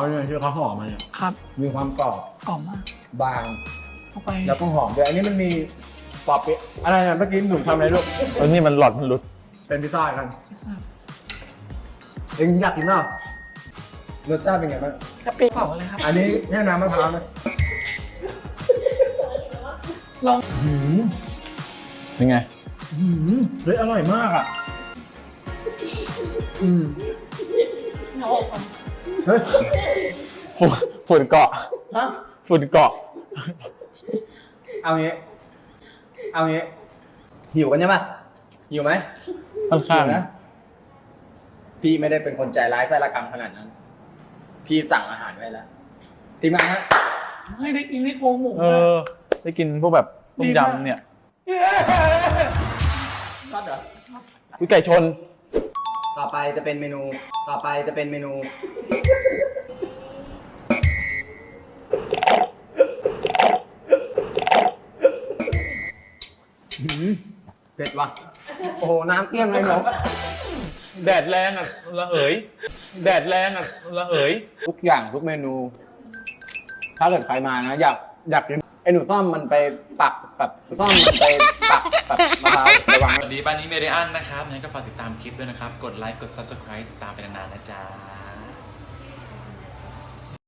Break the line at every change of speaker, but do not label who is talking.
เนี่ยที่เขาห่อมาเนี่ย
ครับ
มีความกรอบ
กรอบมาก
บาง
เข้าไป
แล้วก็หอมด้วยอันนี้มันมีปอบเปี๊ยะอะไรเนี่ยเมื่อกี้หนูทำอะไรลูก
นี่มันหลอดมันหลุด
เป็นพิซซ่ากัน
พิซซ่า
เอ็งอยากกินเปล่ารสชาติเป็นไงบ้าง
กะปิเผาเลยครับ
อันนี้แค่น้ำมะพร้าวนะ
ลอง
เป็นไง
เฮ้ยอร่อยมากอ่ะ
เอาออกก่อน
เฮ้ย
ฝุ่นเกาะ
ฮะ
ฝุ่นเกาะ
เอางี้หิวกันใช่ปะหิวไหม
ค่อนข้าง
หิวนะพี่ไม่ได้เป็นคนใจร้ายไส้ละกรรมขนาดนั้น พี่สั่งอาหารไว้แล้วทีมงานฮะ
ให้ได้กินนี่โครงหมู
เออ ได้กินพวกแบบต้มยำเนี่ย
ทอดเหรอ
วิไก่ชน
ต่อไปจะเป็นเมนู เผ็ดว่ะ โอ้โห น้ำเกลี้ยงเลยเนาะ
แดดแรงอ่ะระเหย แดดแรงอ่ะระเหย
ทุกอย่างทุกเมนู ถ้าเกิดใครมานะ อยากกินไอ้หนูซ่อมมันไปปักแบบซ่อมมันไปปักแบบมะพร้าวระวัง
สวัสดีป้านี้เมเดียนนะครับงั้นก็ฝากติดตามคลิปด้วยนะครับ กดไลค์ กด Subscribe ติดตามไปนานๆนะจ๊ะ